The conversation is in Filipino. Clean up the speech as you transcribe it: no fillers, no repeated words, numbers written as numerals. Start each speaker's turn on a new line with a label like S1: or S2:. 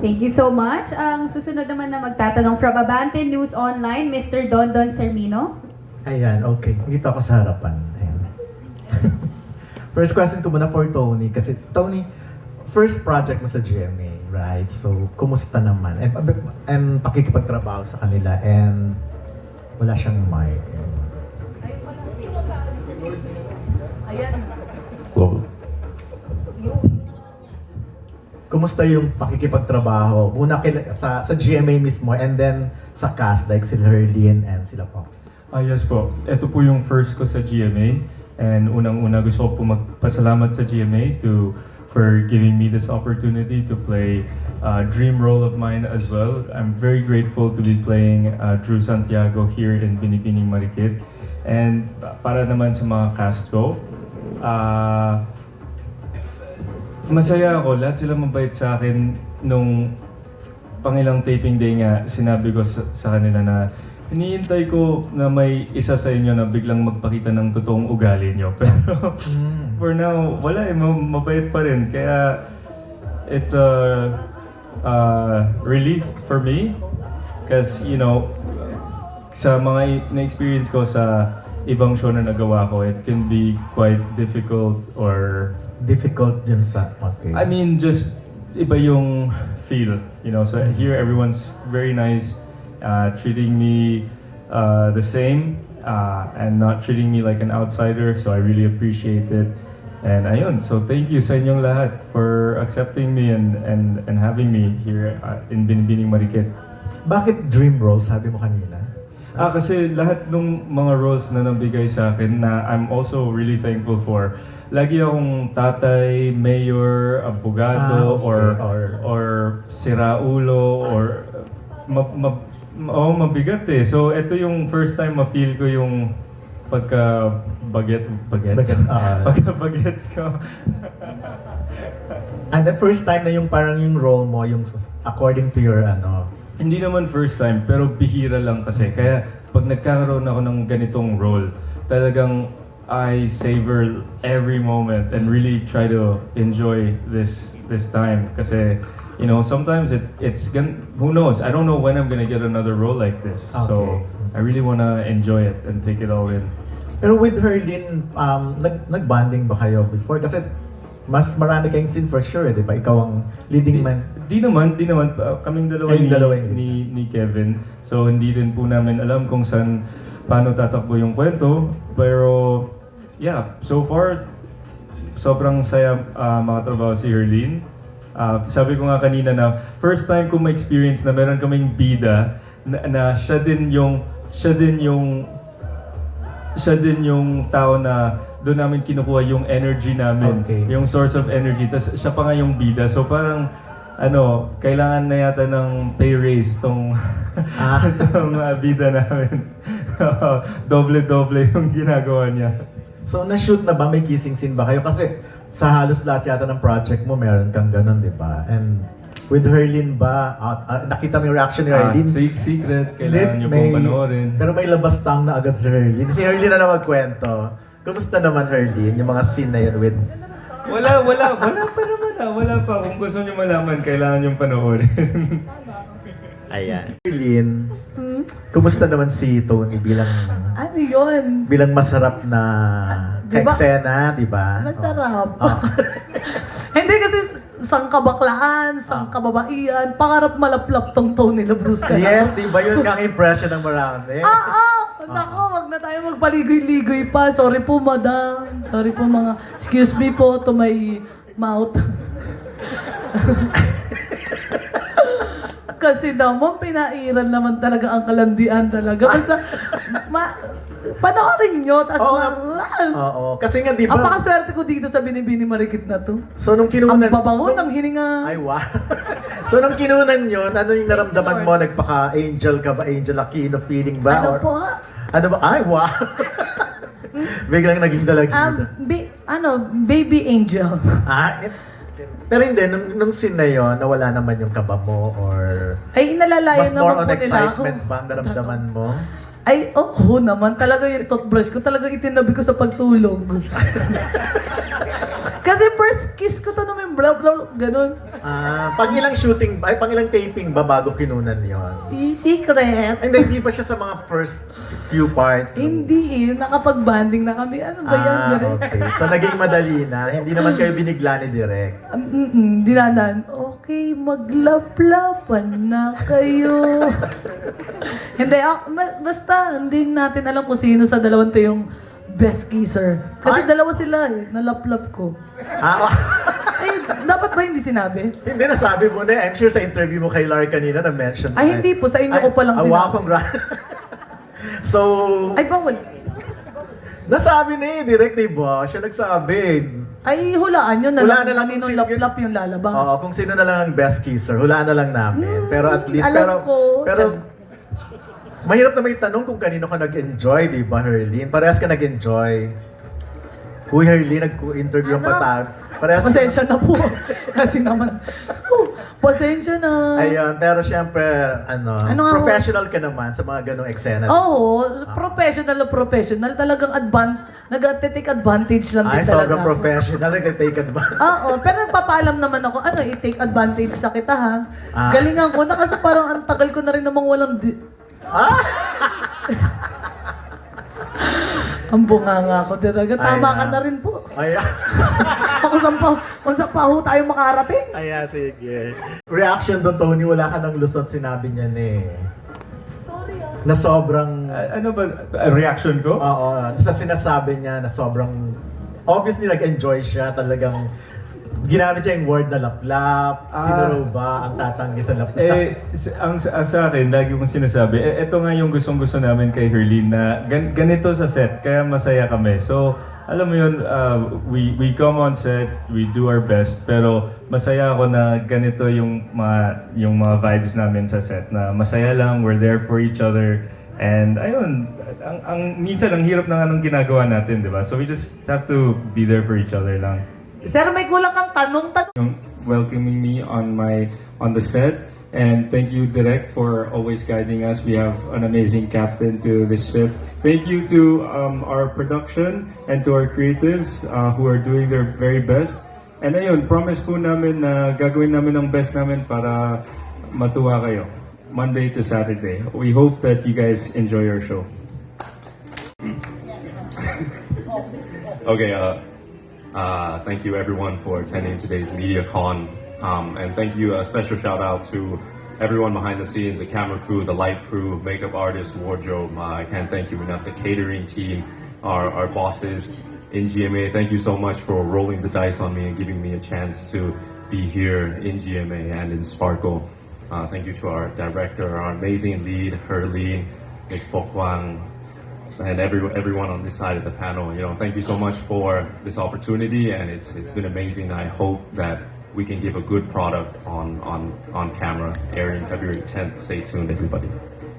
S1: Thank you so much. Ang susunod naman na magtatanong from Abante News Online, Mr. Dondon Sermino.
S2: Ayan, okay. Dito ako sa harapan. Ayan. First question ko muna for Tony. Kasi Tony, first project mo sa GMA, right? So, kumusta naman? And pakikipagtrabaho sa kanila and wala siyang mic.
S1: Ayan.
S3: Well,
S2: Kumusta yung pakikipagtrabaho? Muna sa GMA mismo and then sa cast like sila Herlene and sila po.
S3: yes po. Ito po yung first ko sa GMA. And unang-una gusto ko po magpasalamat sa GMA for giving me this opportunity to play a dream role of mine as well. I'm very grateful to be playing Drew Santiago here in Binibining Marikit. And para naman sa mga cast ko, masaya ako. Lahat sila mabait sa akin. Nung pangilang taping day nga, sinabi ko sa kanila na hinihintay ko na may isa sa inyo na biglang magpakita ng totoong ugali nyo. Pero for now, wala eh. Mabait pa rin. Kaya it's a relief for me. Because, you know, sa mga na-experience ko sa ibang show na nagawa ko, it can be quite difficult or...
S2: Difficult dyan sa... Okay.
S3: I mean, just iba yung feel, you know. So here, everyone's very nice, treating me the same, and not treating me like an outsider. So I really appreciate it. And ayun, so thank you sa inyong lahat for accepting me and having me here in Binibining Marikit.
S2: Bakit dream role, sabi mo kanina?
S3: Kasi lahat ng mga roles na nabigay sa akin na I'm also really thankful for. Lagi akong tatay, mayor, abogado,
S2: okay.
S3: or siraulo, or mabigat eh. So ito yung first time ma-feel ko yung bagets ko.
S2: And the first time na yung parang yung role mo, yung according to your ano,
S3: Hindi naman first time, pero bihira lang kasi. Kaya pag nagkakaroon ako ng ganitong role, talagang I savor every moment and really try to enjoy this time. Kasi, you know, sometimes who knows? I don't know when I'm gonna get another role like this.
S2: Okay.
S3: So, I really wanna enjoy it and take it all in.
S2: Pero with Herlene, nag-bonding ba kayo before? Kasi mas marami kayong scene for sure, di ba? Ikaw ang leading man.
S3: Di naman. Kaming dalawa ni Kevin. So, hindi din po namin alam kung paano tatakbo yung kwento. Pero, yeah, so far, sobrang saya makatrabaho si Herlene. Sabi ko nga kanina na first time ko ma-experience na meron kaming bida na siya din yung tao na doon namin kinukuha yung energy namin,
S2: Okay.
S3: yung source of energy. Tapos siya pa nga yung bida. So parang, kailangan na yata ng pay raise tong bida namin. Doble-doble yung ginagawa niya.
S2: So, na-shoot na ba? May kissing scene ba kayo? Kasi sa halos lahat yata ng project mo, meron kang ganun, di ba? And with Herlene ba, nakita mo yung reaction ni Herlene?
S3: Secret, kailangan niyo pong panoorin.
S2: Pero may labas tang na agad si Herlene. Si Herlene na magkwento. Kumusta naman Herlene, yung mga scene na yun with...
S3: Wala pa. Kung gusto niyo malaman, kailangan niyong panoorin.
S2: Ayan. Herlene, kumusta naman si Tony bilang
S4: Ano yun?
S2: masarap na
S4: Diba?
S2: ka-eksena, di ba?
S4: Masarap.
S2: Oh.
S4: Hindi kasi sang kabaklaan, sang kababaian, pangarap malaplap tong Tony Labrusca.
S2: Yes, di ba yun nga ang impression ng marami?
S4: Nako, wag na tayo magpaligoy-ligoy pa. Sorry po, madam. Sorry po, mga... Excuse me po to my mouth. Kasi naman, pinairan naman talaga ang kalandian talaga. Basta, panoorin nyo, tas
S2: Oo nga. Oo. Kasi nga, di ba?
S4: ang pakaswerte ko dito sa Binibini Marikit na to.
S2: So, nung
S4: Ang
S2: kinunan...
S4: babango ng hininga.
S2: Ay, wow. So, nung kinunan yun, ano yung naramdaman mo? Nagpaka-angel ka ba? Angel Aquino feeling ba?
S4: Ano
S2: Or-
S4: po?
S2: Ano ba? Ay, wow. Biglang naging dalagita.
S4: Baby angel.
S2: Pero hindi, nung scene na yun, nawala naman yung kaba mo or...
S4: Ay, inalalayan
S2: Mas more
S4: naman
S2: on
S4: po nila ako.
S2: excitement ba ang naramdaman mo?
S4: Ay, oo naman. Talaga yung toothbrush ko, talaga itinabi ko sa pagtulog. Kasi first kiss ko to naman, blah, blah, ganun.
S2: Pang ilang shooting, ay pang ilang taping ba bago kinunan yon?
S4: Secret.
S2: Hindi ba siya sa mga first few parts?
S4: Hindi nakapag-banding na kami. Ano ba yan? Direk?
S2: Okay. So naging madali na. Hindi naman kayo binigla ni Direk.
S4: Dinadan, okay, maglaplapan na kayo. Hindi, basta hindi natin alam kung sino sa dalawang to yung best kisser. Kasi
S2: Ay!
S4: dalawa sila nalaplap ko.
S2: Ah,
S4: Dapat ba hindi sinabi?
S2: hindi nasabi mo na. I'm sure sa interview mo kay Lar kanina na-mention.
S4: Ay, hindi po. Sa inyo ko palang
S2: awa
S4: sinabi.
S2: So,
S4: Ay, bawal.
S2: nasabi ni Direk, diba? Siya nagsabi.
S4: Ay, hulaan yun.
S2: Hulaan na lang
S4: kaninong
S2: kung sino-
S4: laplap yung lalabas.
S2: Oo, kung sino na lang ang best kisser, hulaan na lang namin. Pero at least,
S4: alam ko.
S2: pero, mahirap na may tanong kung kanino ka nag-enjoy, di ba, Herlene? Parehas ka nag-enjoy. Uy, Herlene, nag-interview
S4: Ano?
S2: pa tayo. Parehas ka.
S4: Pasensya na po. Kasi naman, pasensya na.
S2: Ayun, pero syempre,
S4: Ano nga ho?
S2: professional ka naman sa mga ganong eksena.
S4: Oo, professional na professional. Talagang nag-take advantage lang
S2: Ay,
S4: din talaga.
S2: sobrang professional, nag-take advantage.
S4: Oo, pero nagpapaalam naman ako, i-take advantage na kita ha.
S2: Ah.
S4: Galingan ko na kasi parang ang tagal ko na rin namang walang Ang bunganga ko talaga. Tama
S2: Ay,
S4: ka na rin po.
S2: Ayan.
S4: Kung saan pa ho tayo makarating.
S2: Ayan, sige. Reaction doon, Tony, wala ka ng lusot, sinabi niya
S4: Sorry
S2: na sobrang,
S3: Ano ba, reaction ko?
S2: oo, sa sinasabi niya na sobrang, obviously nag-enjoy siya, talagang ginamit niya yung word na laplap. Sino raw ba ang tatanggi sa laplap?
S3: Sa akin, lagi kong sinasabi, ito nga yung gustong-gusto namin kay Herlene na ganito sa set, kaya masaya kami. So, alam mo yun, we come on set, we do our best, pero masaya ako na ganito yung mga vibes namin sa set, na masaya lang, we're there for each other, and ayun, minsan ang hirap na nga nung ginagawa natin, di ba? So we just have to be there for each other lang.
S4: Sir, may kulang kang tanong.
S3: Welcoming me on the set, and thank you Direk for always guiding us. We have an amazing captain to this ship. Thank you to our production and to our creatives who are doing their very best. And ayun, promise po namin na gagawin namin ang best namin para matuwa kayo Monday to Saturday. We hope that you guys enjoy our show.
S5: Okay, thank you everyone for attending today's MediaCon. And thank you, a special shout out to everyone behind the scenes, the camera crew, the light crew, makeup artists, wardrobe. I can't thank you enough. The catering team, our bosses in GMA. Thank you so much for rolling the dice on me and giving me a chance to be here in GMA and in Sparkle. Thank you to our director, our amazing lead, Herlene, Ms. Pokwang, and everyone on this side of the panel. Thank you so much for this opportunity, and it's been amazing. I hope that we can give a good product on camera, airing February 10th. Stay tuned, everybody.